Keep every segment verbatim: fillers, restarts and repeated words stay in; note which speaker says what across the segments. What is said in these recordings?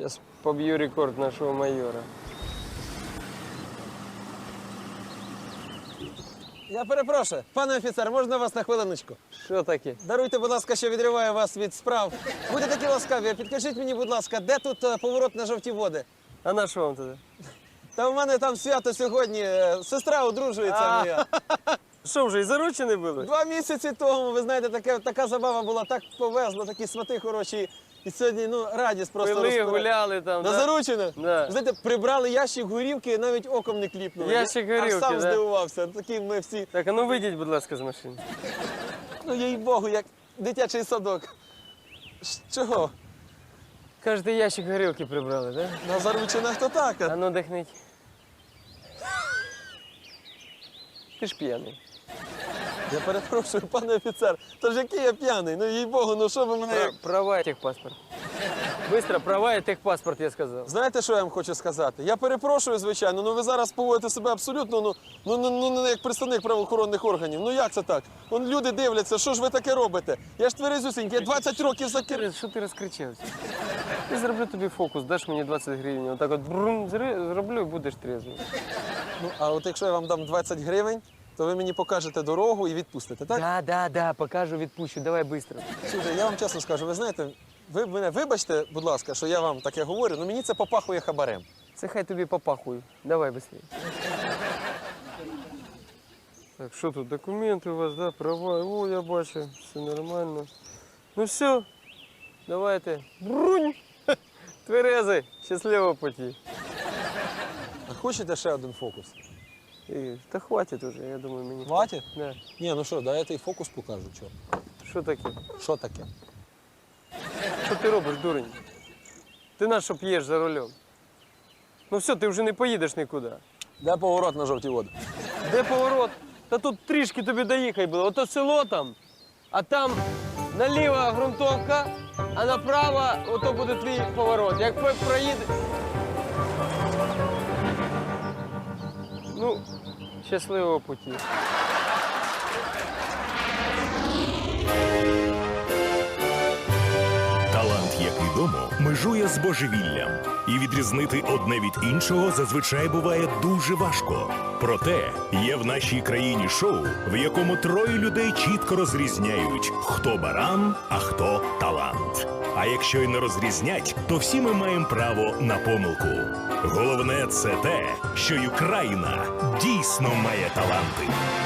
Speaker 1: Сейчас побью рекорд нашего майора.
Speaker 2: Я перепрошую, пане офіцер, можна вас на хвилиночку?
Speaker 1: Що таке?
Speaker 2: Даруйте, будь ласка, що відриваю вас від справ. Будьте такі ласкаві, підкажіть мені, будь ласка, де тут е, поворот на жовті води?
Speaker 1: А на що вам туди?
Speaker 2: Та в мене там свято сьогодні, е, сестра одружується
Speaker 1: А.
Speaker 2: моя.
Speaker 1: Що вже, і заручені були?
Speaker 2: Два місяці тому, ви знаєте, таке, така забава була, так повезло, такі свати хороші. І сьогодні, ну, радість просто
Speaker 1: Пили,
Speaker 2: розпира-
Speaker 1: гуляли там,
Speaker 2: На
Speaker 1: да?
Speaker 2: заручене?
Speaker 1: Да.
Speaker 2: Ви знаєте, прибрали ящик горівки, навіть оком не кліпнули.
Speaker 1: Ящик
Speaker 2: Я
Speaker 1: горілки,
Speaker 2: Аж сам
Speaker 1: да?
Speaker 2: здивувався. Такі ми всі,
Speaker 1: Так, а ну вийдіть, будь ласка, з машини.
Speaker 2: ну, їй-богу, як дитячий садок. Ш- Чого?
Speaker 1: Кажете, ящик горілки прибрали, так?
Speaker 2: На заручинах то так.
Speaker 1: Да?
Speaker 2: а?
Speaker 1: А ну дихніть. Ти ж п'яний.
Speaker 2: Я перепрошую, пане офіцер, то ж який я п'яний? Ну, їй-богу, ну що ви мене...
Speaker 1: Пра- Права і техпаспорт. Быстро, права і техпаспорт, я сказав.
Speaker 2: Знаєте, що я вам хочу сказати? Я перепрошую, звичайно, ну ви зараз поводите себе абсолютно, ну, ну, ну, ну не як представник правоохоронних органів. Ну як це так? Вон люди дивляться, що ж ви таке робите? Я ж тверезюсінький, я двадцять років за кер...
Speaker 1: Ти- Що ти розкричався? Я зроблю тобі фокус, даш мені двадцять гривень. Отак от брум, зри- зроблю і будеш трезвий.
Speaker 2: Ну, а от якщо я вам дам двадцять гривень, то ви мені покажете дорогу і відпустите, так?
Speaker 1: Да, да, да, покажу, відпущу, давай швидко.
Speaker 2: Слухайте, я вам чесно скажу, ви знаєте, ви мене вибачте, будь ласка, що я вам таке говорю, але мені це попахує хабарем.
Speaker 1: Це хай тобі попахує. Давай швидше. Так, що тут, документи у вас, да, права? О, я бачу, все нормально. Ну все, давайте. Брунь! Тверезий, щасливого путі.
Speaker 2: А хочете ще один фокус?
Speaker 1: І, та хватить уже, я думаю, мені.
Speaker 2: Хватить?
Speaker 1: Да.
Speaker 2: Ні, ну що, дайте і фокус покажу, чого.
Speaker 1: Що таке?
Speaker 2: Що таке?
Speaker 1: Що ти робиш, дурень? Ти на що п'єш за рулем? Ну все, ти вже не поїдеш нікуди.
Speaker 2: Де поворот на жовті води?
Speaker 1: Де поворот? Та тут трішки тобі доїхай було. Ото село там, а там наліво ґрунтовка, а направо ото буде твій поворот. Як пе- проїде. Ну, щасливого путі.
Speaker 3: Талант, як відомо, межує з божевіллям. І відрізнити одне від іншого зазвичай буває дуже важко. Проте є в нашій країні шоу, в якому троє людей чітко розрізняють, хто баран, а хто талант. А якщо й не розрізнять, то всі ми маємо право на помилку. Головне це те, що й Україна дійсно має таланти.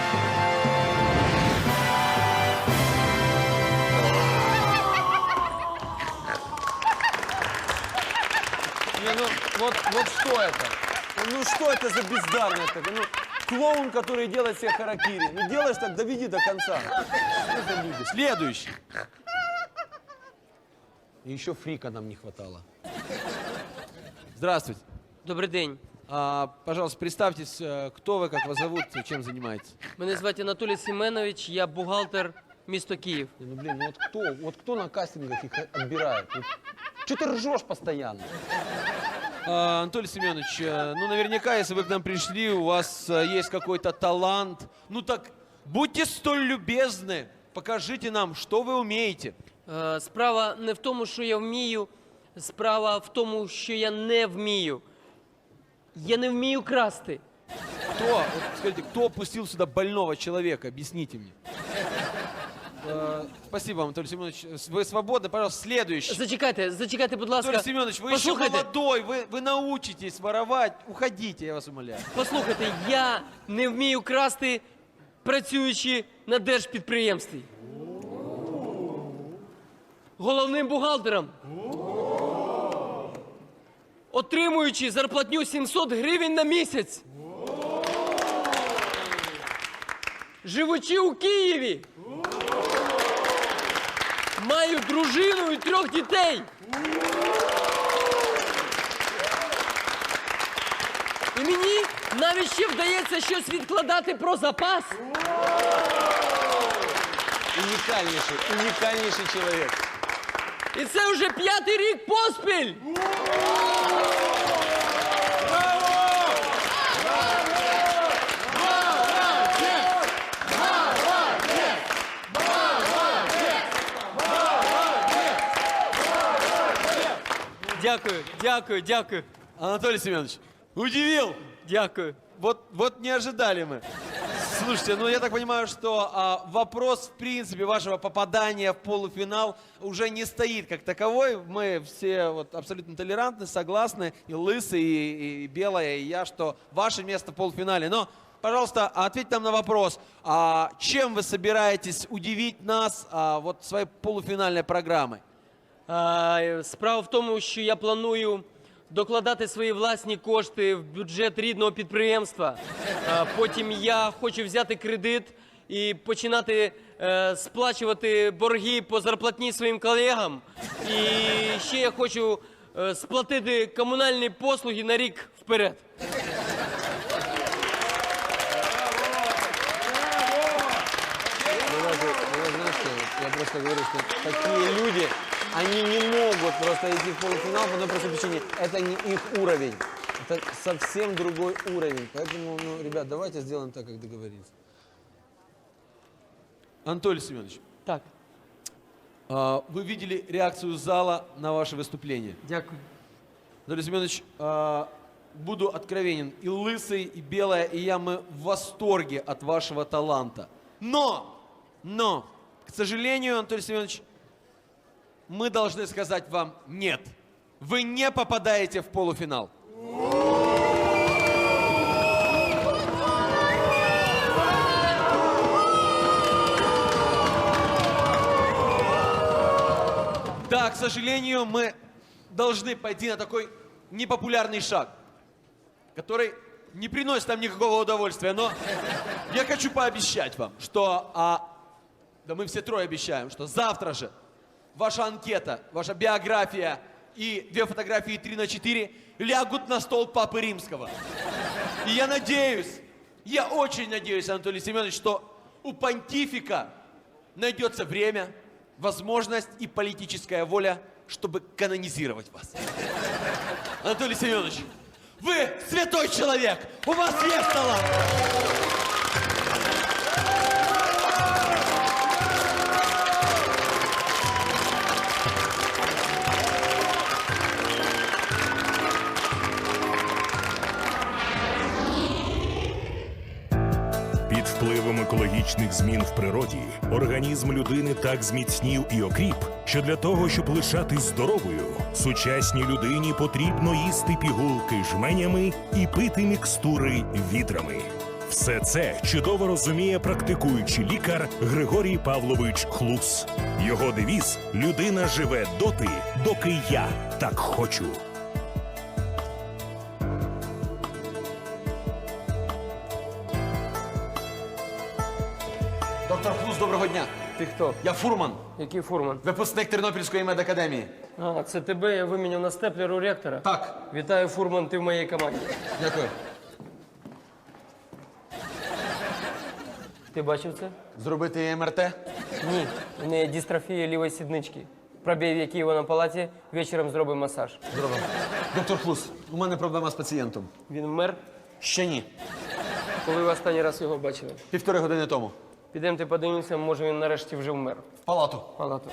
Speaker 2: Не, ну вот, вот что это? Ну что это за бездарность такая? Ну, клоун, который делает себе харакири. Ну делаешь так, доведи до конца. Что за люди? Следующий. И еще фрика нам не хватало.
Speaker 4: Здравствуйте.
Speaker 1: Добрий день.
Speaker 4: А, пожалуйста, представьтесь, э, кто вы, как вас зовут, чем занимаетесь?
Speaker 1: Мене звати Анатолій Семенович, я бухгалтер місто Київ.
Speaker 2: Не, ну блин, ну вот кто, вот кто на кастингах их отбирает? Вот, что ты ржешь постоянно?
Speaker 4: А, Анатолий Семенович, э, ну наверняка, если вы к нам пришли, у вас э, есть какой-то талант. Ну так будьте столь любезны, покажите нам, что вы умеете.
Speaker 1: Е, Справа не в тому, що я вмію, справа в тому, що я не вмію. Я не вмію красти.
Speaker 4: Кто, вот скажите, кто пустил сюда больного человека? Объясните мне. Э, Спасибо вам, Анатолий Семенович. Вы свободны, пожалуйста, следующий.
Speaker 1: Зачекайте, зачекайте, будь ласка.
Speaker 4: Анатолий Семенович, вы еще
Speaker 1: Послухайте,
Speaker 4: молодой, вы, вы научитесь воровать. Уходите, я вас умоляю.
Speaker 1: послухайте, я не вмію красти, працюючи на держпідприємстві. Головним бухгалтером. Отримуючи зарплатню сімсот гривень на місяць. Живучи у Києві. Маю дружину і трьох дітей. І мені навіть ще вдається щось відкладати про запас.
Speaker 2: Унікальніший, унікальніший чоловік.
Speaker 1: І це вже п'ятий рік поспіль. Дякую, дякую, дякую,
Speaker 4: Анатолий Семенович, удивил.
Speaker 1: дякую.
Speaker 4: Вот, вот не ожидали мы. Слушайте, ну я так понимаю, что а, вопрос, в принципе, вашего попадания в полуфинал уже не стоит как таковой. Мы все вот абсолютно толерантны, согласны, и Лысый, и, и Белая, и я, что ваше место в полуфинале. Но, пожалуйста, ответьте нам на вопрос, а, чем вы собираетесь удивить нас а, вот своей полуфинальной программой?
Speaker 1: А, справа в тому, що я планую докладати свої власні кошти в бюджет рідного підприємства. А, потім я хочу взяти кредит і починати е, сплачувати борги по зарплатні своїм колегам. І ще я хочу е, сплатити комунальні послуги на рік вперед.
Speaker 2: Я просто говорю, что такие люди, они не могут просто идти в полуфинал по одной простой причине. Это не их уровень. Это совсем другой уровень. Поэтому, ну, ребят, давайте сделаем так, как договорились.
Speaker 4: Анатолий Семенович,
Speaker 1: Так,
Speaker 4: а, вы видели реакцию зала на ваше выступление?
Speaker 1: дякую.
Speaker 4: Анатолий Семенович, а, буду откровенен. И Лысый, и Белая, и я, мы в восторге от вашего таланта. Но, но, к сожалению, Анатолий Семенович, мы должны сказать вам нет. Вы не попадаете в полуфинал. Да, к сожалению, мы должны пойти на такой непопулярный шаг, который не приносит нам никакого удовольствия, но я хочу пообещать вам, что, а, да мы все трое обещаем, что завтра же ваша анкета, ваша биография и две фотографии три на четыре лягут на стол Папы Римского. И я надеюсь, я очень надеюсь, Анатолий Семенович, что у понтифика найдется время, возможность и политическая воля, чтобы канонизировать вас. Анатолий Семенович, вы святой человек, у вас есть талант.
Speaker 3: Під впливом екологічних змін в природі організм людини так зміцнів і окріп, що для того, щоб лишатись здоровою, сучасній людині потрібно їсти пігулки жменями і пити мікстури відрами. Все це чудово розуміє практикуючий лікар Григорій Павлович Хлус. Його девіз «Людина живе доти, доки я так хочу».
Speaker 4: Доктор Хлус, доброго дня.
Speaker 1: Ти хто?
Speaker 4: Я фурман,
Speaker 1: Який фурман?
Speaker 4: випускник Тернопільської медакадемії.
Speaker 1: А, це тебе я виміняв на степлер у ректора?
Speaker 4: Так.
Speaker 1: Вітаю, фурман, ти в моїй команді.
Speaker 4: Дякую.
Speaker 1: Ти бачив це?
Speaker 4: Зробити ем ер те?
Speaker 1: Ні. У неї дистрофія лівої сіднички. Пробій віки його на палаті, вечором зробимо масаж.
Speaker 4: Зробимо. Доктор Хлус, у мене проблема з пацієнтом.
Speaker 1: Він вмер?
Speaker 4: Ще ні.
Speaker 1: Коли ви останній раз його бачили?
Speaker 4: Півтори години тому.
Speaker 1: Підемте подивимося, може він нарешті вже вмер.
Speaker 4: В палату.
Speaker 1: Палату.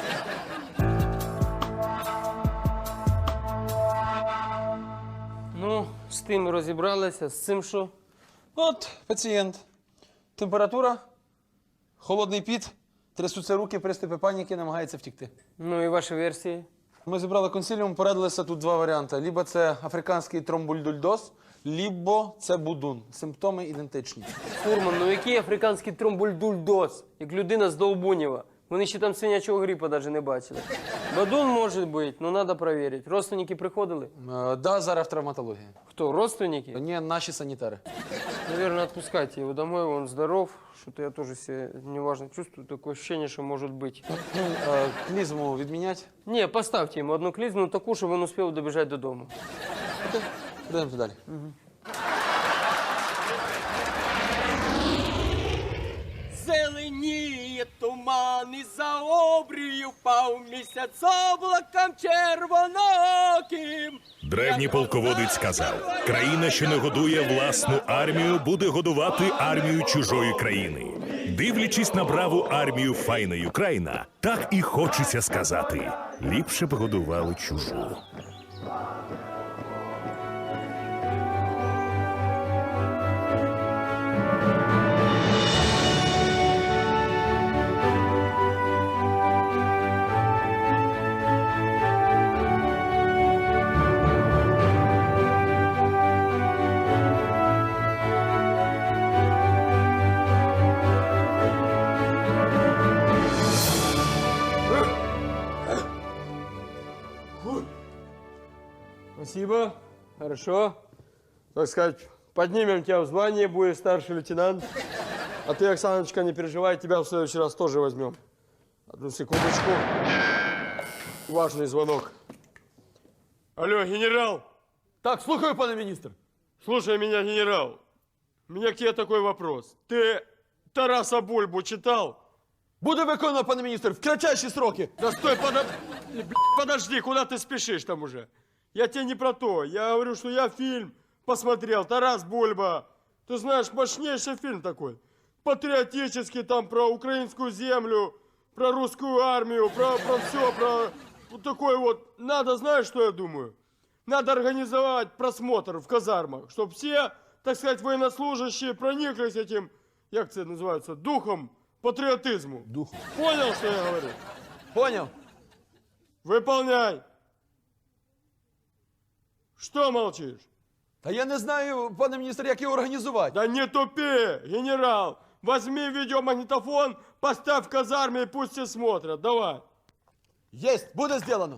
Speaker 1: Ну, з тим розібралися, з цим що?
Speaker 2: От пацієнт. Температура, холодний піт, трясуться руки, приступи паніки, намагається втікти.
Speaker 1: Ну і ваші версії?
Speaker 2: Ми зібрали консиліум, порадилися тут два варіанти. Либо це африканський тромбульдульдоз, либо це будун. Симптоми ідентичні.
Speaker 1: Фурман, ну який африканський тромбульдульдоз, як людина з Довбунєва. Вони ще там свинячого грипа навіть не бачили. Бадун може бути, ну треба перевірити. Родственники приходили?
Speaker 2: Е, да, зараз в травматології.
Speaker 1: Хто, родственники?
Speaker 2: Ні, наші санітари.
Speaker 1: Наверное, отпускайте его домой, он здоров. Что-то я тоже себя неважно чувствую. Такое ощущение, что может быть.
Speaker 2: Е, клізму відміняти.
Speaker 1: Не, поставьте ему одну клизму, такую, чтобы он успел добежать до дома.
Speaker 2: Йдемо далі.
Speaker 1: Зеленіє туман і за обрію впав місяць облаком червоноким.
Speaker 3: Древній полководець сказав: країна, що не годує власну армію, буде годувати армію чужої країни. Дивлячись на браву армію файної Україна, так і хочеться сказати: ліпше б годували чужу.
Speaker 5: Спасибо. Хорошо. Так сказать, поднимем тебя в звание, будешь старший лейтенант. А ты, Оксаночка, не переживай, тебя в следующий раз тоже возьмем. Одну секундочку. Важный звонок. Алло, генерал.
Speaker 2: Так, слухаю, пане міністр.
Speaker 5: Слушай меня, генерал. У меня к тебе такой вопрос. Ты Тараса Бульбу читал?
Speaker 2: Буде виконано, пане міністр, в кратчайші сроки.
Speaker 5: Да стой, подо... Блядь, подожди, куда ты спешишь там уже? Я тебе не про то. Я говорю, что я фильм посмотрел. Тарас Бульба. Ты знаешь, мощнейший фильм такой. Патриотический, там про украинскую землю, про русскую армию, про, про все, про вот такой вот. Надо, знаешь, что я думаю? Надо организовать просмотр в казармах, чтобы все, так сказать, военнослужащие прониклись этим, как это называется, духом патриотизму.
Speaker 2: Духом.
Speaker 5: Понял, что я говорю?
Speaker 2: Поняв?
Speaker 5: Выполняй. Что молчишь?
Speaker 2: Та я не знаю, пане міністр, як його організувати.
Speaker 5: Да не тупи, генерал. Возьми видеомагнитофон, поставь в казарме и пусть все смотрят. Давай.
Speaker 2: Єсть, буде зроблено.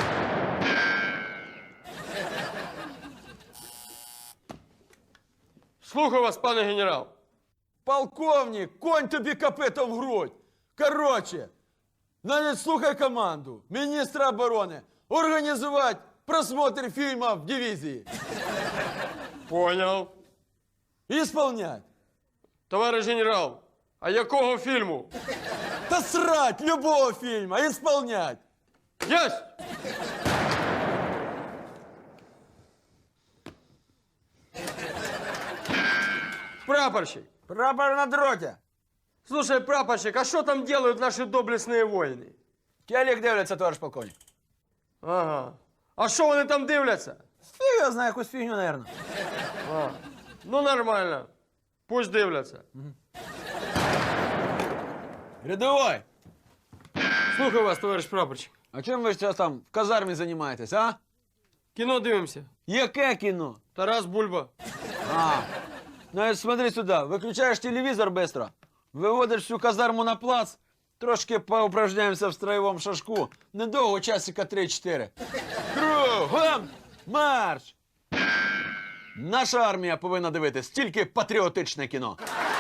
Speaker 5: Слухаю вас, пане генерал.
Speaker 2: Полковник, конь тобі копитом в грудь. Короче, навіть слухай команду міністра оборони організувати просмотр фільму в дивізії.
Speaker 5: Понял.
Speaker 2: Ісполнять.
Speaker 5: Товарищ генерал, а якого фільму?
Speaker 2: Та срать любого фільму, ісполнять.
Speaker 5: Есть! Прапорщик.
Speaker 2: Прапор на дроті.
Speaker 5: Слушай, прапорщик, а что там делают наши доблестные воины?
Speaker 2: Телек дивляться, товариш полковник.
Speaker 5: Ага. А що вони там дивляться?
Speaker 2: Фіг я знаю, якусь фігню, наверное.
Speaker 5: А. Ну нормально. Пусть дивляться.
Speaker 2: Рядовой,
Speaker 5: Слухаю вас, товариш прапорщик.
Speaker 2: а чим ви зараз там в казармі займаєтесь, а?
Speaker 5: Кіно дивимося.
Speaker 2: Яке кіно?
Speaker 5: Тарас Бульба.
Speaker 2: А, ну смотри сюда, выключаешь телевизор быстро, выводишь всю казарму на плац, трошки поупражняемся в строевом шашку, недовго, часика три-чотири. Кругом марш! Наша армія повинна дивитись тільки патріотичне кіно.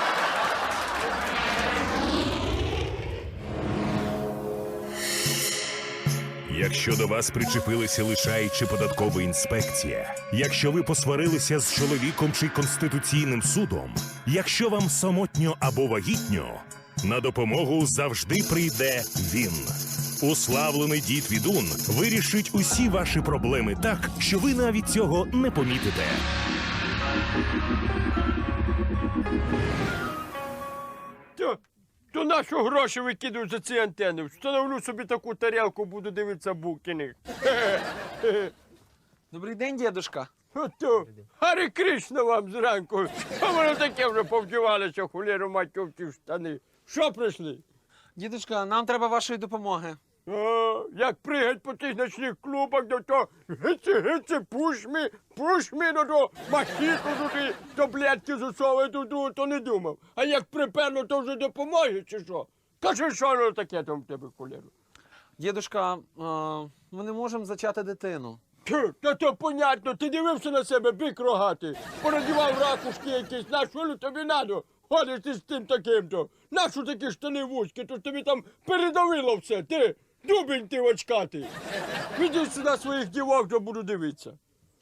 Speaker 3: Якщо до вас причепилися лишай чи податкова інспекція, якщо ви посварилися з чоловіком чи конституційним судом, якщо вам самотньо або вагітньо, на допомогу завжди прийде він. Уславлений дід Відун вирішить усі ваші проблеми так, що ви навіть цього не помітите.
Speaker 5: То, то на що гроші викидують за ці антени? Встановлю собі таку тарілку, буду дивитися Букіних.
Speaker 6: Добрий день, дідушка.
Speaker 5: Ото, Гарі Кришна вам зранку. А воно таке вже повдівалося, хуліру мать в ті штани. Що прийшли?
Speaker 6: Дідушка, нам треба вашої допомоги.
Speaker 5: А, як пригать по тих ночних клубах, до то гиці, гиці, пуш мі, пуш мі, до то махіку туди, таблетки засовує туди, то не думав. А як приперло, то вже допомоги, чи що? Кажи, що воно таке там в тебе, хуліру?
Speaker 6: Дідушка, е, ми не можемо зачати дитину.
Speaker 5: Тю, та то понятно, ти дивився на себе, бик рогатий, понадівав ракушки якісь, на що тобі надо? Ходиш ти з тим таким-то, нащо такі штани вузькі, то ж тобі там передавило все, ти, дубень ти очкатий. Іди сюди своїх дівок, то буду дивитися.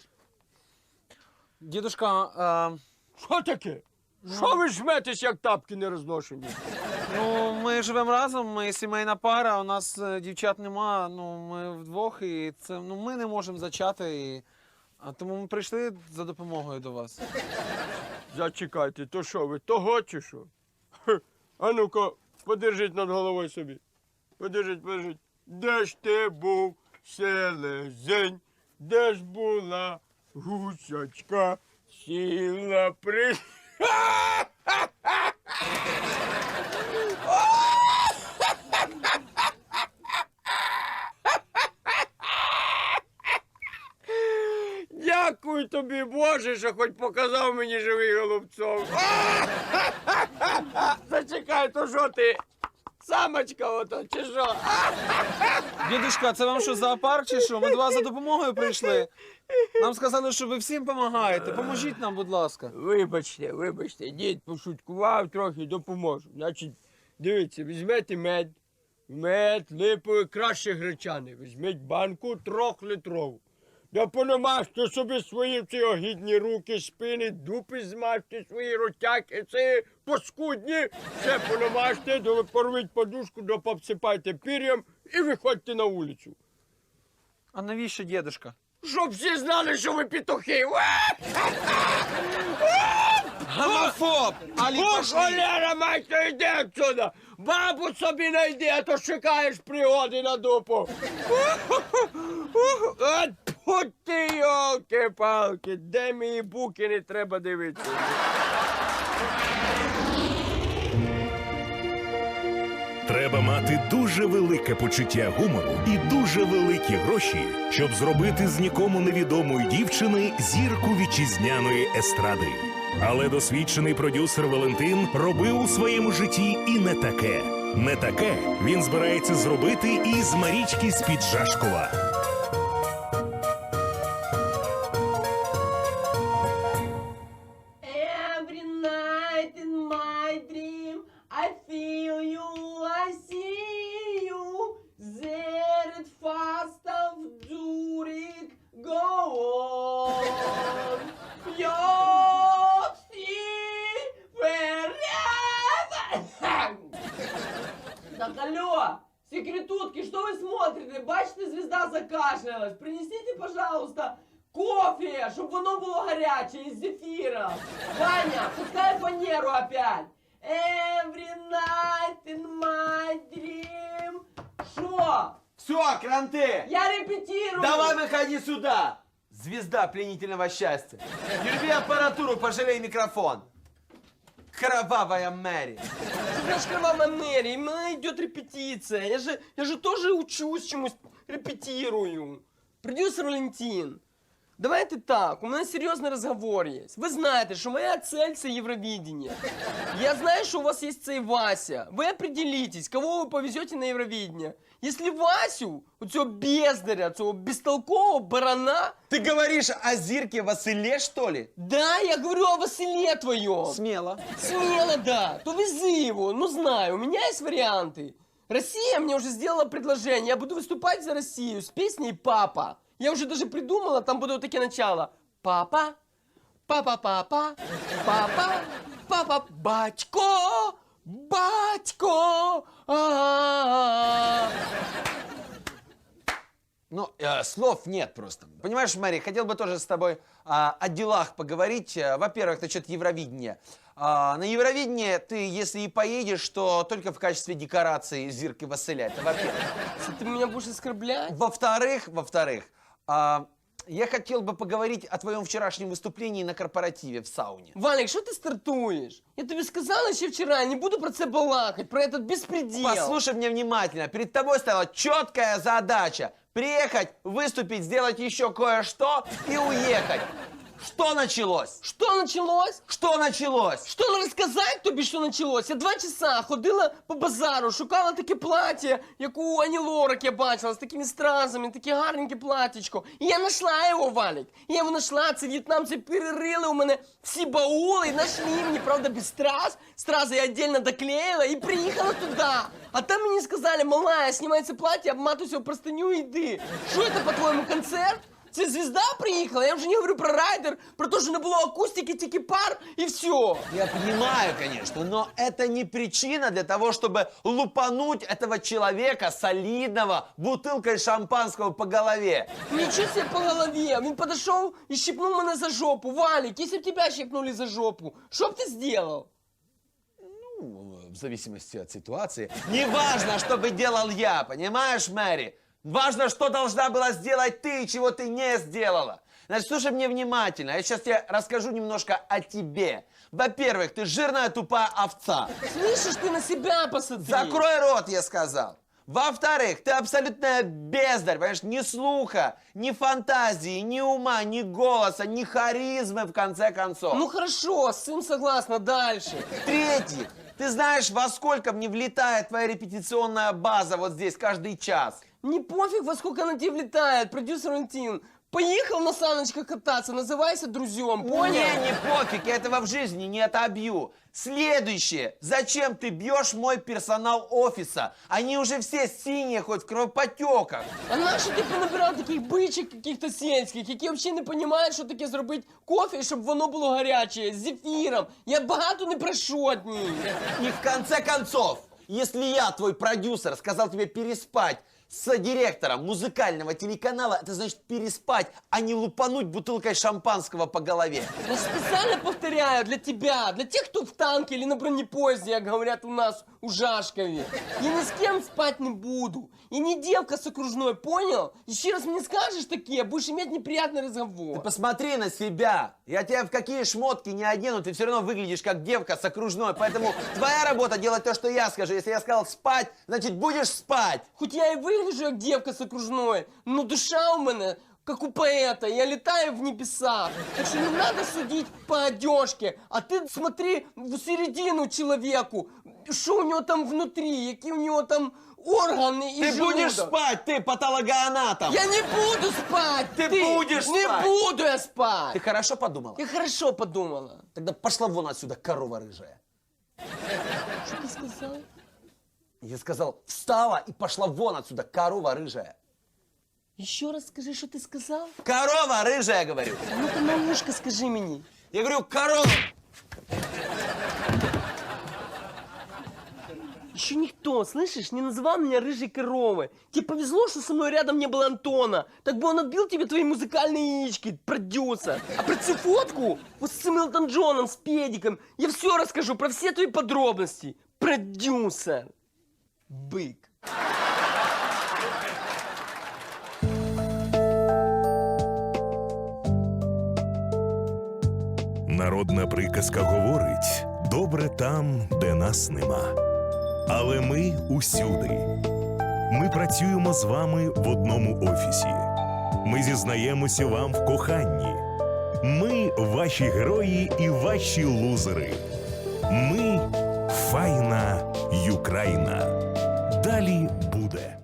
Speaker 6: Дідушка, е,
Speaker 5: Що таке? Що ви жметесь, як тапки нерозношені?
Speaker 6: ну, ми живемо разом, ми сімейна пара, у нас е, дівчат нема, ну, ми вдвох, і це, ну, ми не можемо зачати, і, а тому ми прийшли за допомогою до вас.
Speaker 5: Зачекайте, то що ви, того чи що? Хе, а ну-ка, подержіть над головою собі. Подержіть, подержіть. Де ж ти був, селезень? Де ж була гусячка? Сіла при... Дякую тобі, Боже, що хоч показав мені живий голубцов. Зачекай, то що ти Самочка ото, чи що?
Speaker 6: Дідушка, це вам що, зоопарк чи що? Ми до вас за допомогою прийшли. Нам сказали, що ви всім допомагаєте. Поможіть нам, будь ласка.
Speaker 5: Вибачте, вибачте, дід пошуткував трохи, допоможу. Значить, дивіться, візьмете мед, мед, липовий, краще гречаний. Візьміть банку трьохлітрову. Да понамажте собі свої ці огідні руки, спини, дупи змажте, свої ротяки, ці паскудні. Все понамажте, до- порвіть подушку, да пообсипайте пір'ям і виходьте на вулицю.
Speaker 6: А навіщо, дідушка?
Speaker 5: Щоб всі знали, що ви петухи.
Speaker 6: Гомофоб! Алі,
Speaker 5: О,
Speaker 6: пошли!
Speaker 5: холера, мать, йди отсюда! Бабу собі найди, а то шукаєш пригоди на дупу. От путь ти, йолки-палки, де мої буки не треба дивитися.
Speaker 3: Треба мати дуже велике почуття гумору і дуже великі гроші, щоб зробити з нікому невідомої дівчини зірку вітчизняної естради. Але досвідчений продюсер Валентин робив у своєму житті і не таке. Не таке він збирається зробити і з Марічки з-під Жашкова.
Speaker 1: Every night in my dream I feel you, I see you. There it fast of Zurich, go on. You'll see wherever. Так, алло, секретутки, что вы смотрите? Бачите, звезда закашлялась. Принесите, пожалуйста, кофе, чтобы воно было горячее, из зефира. Ваня, пускай фанеру опять. Every night in my dream. Шо?
Speaker 7: Все, кранты!
Speaker 1: Я репетирую.
Speaker 7: Давай выходи сюда! Звезда пленительного счастья. Не рви аппаратуру, пожалей микрофон. Кровавая Мэри.
Speaker 1: Что значит кровавая Мэри? У меня идет репетиция. Я же, я же тоже учусь чему-то, репетирую. Продюсер Валентин, давайте так, у меня серьезный разговор есть. Вы знаете, что моя цель – это Евровидение. Я знаю, что у вас есть цей Вася. Вы определитесь, кого вы повезете на Евровидение. Если Васю, у цього бездаря, цього бестолкового барана...
Speaker 7: Ты говоришь о Зирке Василе, что ли?
Speaker 1: Да, я говорю о Василе твоем.
Speaker 6: Сміло.
Speaker 1: Смело, да. То вези его. Ну, знаю, у меня есть варианты. Россия мне уже сделала предложение. Я буду выступать за Россию с песней «Папа». Я уже даже придумала, там будут такие начала. Папа, папа, папа, папа, папа, батько, батько. А-а-а.
Speaker 7: Ну, э, слов нет просто. Понимаешь, Мэри, хотел бы тоже с тобой а, о делах поговорить. Э, Во-первых, насчет Евровидения. А, на Евровидение ты, если и поедешь, то только в качестве декорации Зирки Василя. Это во-первых.
Speaker 1: Ты меня будешь оскорблять?
Speaker 7: Во-вторых, во-вторых, а, я хотел бы поговорить о твоем вчерашнем выступлении на корпоративе в сауне.
Speaker 1: Валик, что ты стартуешь? Я тебе сказала еще вчера, не буду про это балакать, про этот беспредел.
Speaker 7: Послушай меня внимательно. Перед тобой стояла четкая задача. Приехать, выступить, сделать еще кое-что и уехать. Что началось?
Speaker 1: Что началось?
Speaker 7: Что началось?
Speaker 1: Що розказати тобі, що почалось? Я два часа ходила по базару, шукала таке плаття, як у Ані Лорак я бачила, з такими стразами, таке гарненьке платтячко. І я знайшла його, Валік. Я його знайшла, це в'єтнамці перерили у мене всі баули і знайшли мені, правда, без страз. Стрази я віддільно доклеїла і приїхала туди. А там мені сказали, малая, знімай це плаття, обматуйся в простыню і йди. Що це, по-твоєму, концерт? Це звезда приїхала, я вже не говорю про райдер, про те, що не було акустики, тільки пар і все.
Speaker 7: Я понимаю, конечно, но это не причина для того, чтобы лупануть этого человека солидного бутылкой шампанского по голове.
Speaker 1: Нічого себе по голові. Він підійшов і щипнув мене за жопу. Валік, якщо б тебе щипнули за жопу, що б ти зробив?
Speaker 7: Ну, в зависимости от ситуации. Не важно, что бы делал я, понимаешь, Мэри? Важно, что должна была сделать ты, и чего ты не сделала. Значит, слушай мне внимательно. Я сейчас тебе расскажу немножко о тебе. Во-первых, ты жирная тупая овца.
Speaker 1: Слышиш, ти на себя посмотри.
Speaker 7: Закрой рот, я сказал. Во-вторых, ты абсолютная бездарь, понимаешь? Ни слуха, ни фантазии, ни ума, ни голоса, ни харизмы, в конце концов.
Speaker 1: Ну хорошо, с цим согласна, дальше.
Speaker 7: В-третьих, Ты знаешь, во сколько мне влетает твоя репетиционная база вот здесь каждый час?
Speaker 1: Не пофиг, во сколько она тебе влетает, продюсер Валентин. Поехал на саночках кататься, называйся друзьям, понял?
Speaker 7: Мне не пофиг, я этого в жизни не отобью. Следующее. Зачем ты бьешь мой персонал офиса? Они уже все синие, хоть в кровопотеках.
Speaker 1: А нащо ти понабирав таких бичок каких-то сільських, які взагалі не розуміють, що таке зробити кофе, щоб воно було гаряче, з зефіром? Я багато не прошу від них.
Speaker 7: И в конце концов, если я, твой продюсер, сказал тебе переспать с директором музыкального телеканала, это значит переспать, а не лупануть бутылкой шампанского по голове.
Speaker 1: Я специально повторяю для тебя, для тех, кто в танке или на бронепоезде, как говорят у нас у Жашкове. Я ни с кем спать не буду. И не девка с окружной, понял? Еще раз мне скажешь такие, будешь иметь неприятный разговор.
Speaker 7: Ты посмотри на себя. Я тебя в какие шмотки не одену, ты все равно выглядишь как девка с окружной. Поэтому твоя работа делать то, что я скажу. Если я сказал спать, значит будешь спать.
Speaker 1: Хоть я и выгляжу как девка с окружной, но душа у меня как у поэта, я летаю в небеса. Так что не надо судить по одежке, а ты смотри в середину человеку, что у него там внутри, какие у него там органы и
Speaker 7: Ты
Speaker 1: желудок.
Speaker 7: будешь спать, ты патологоанатом.
Speaker 1: Я не буду спать!
Speaker 7: Ты будешь
Speaker 1: Не
Speaker 7: спать.
Speaker 1: буду я спать!
Speaker 7: Ты хорошо подумала?
Speaker 1: Я хорошо подумала.
Speaker 7: Тогда пошла вон отсюда, корова рыжая.
Speaker 1: Что ты сказал?
Speaker 7: Я сказал, встала и пошла вон отсюда, корова рыжая.
Speaker 1: Еще раз скажи, что ты сказал?
Speaker 7: Корова рыжая, говорю.
Speaker 1: А ну-ка на ушко скажи мне.
Speaker 7: Я говорю, корова.
Speaker 1: Еще никто, слышишь, не называл меня рыжей коровой. Тебе повезло, что со мной рядом не было Антона. Так бы он отбил тебе твои музыкальные яички, продюсер. А про цю фотку, вот с Элтоном Джоном, с педиком, я все расскажу, про все твои подробности. Продюсер. Бык.
Speaker 3: Народна приказка говорить: добре там, де нас нема. Але ми усюди. Ми працюємо з вами в одному офісі. Ми зізнаємося вам в коханні. Ми ваші герої і ваші лузери. Ми файна Юкраїна. Далі буде.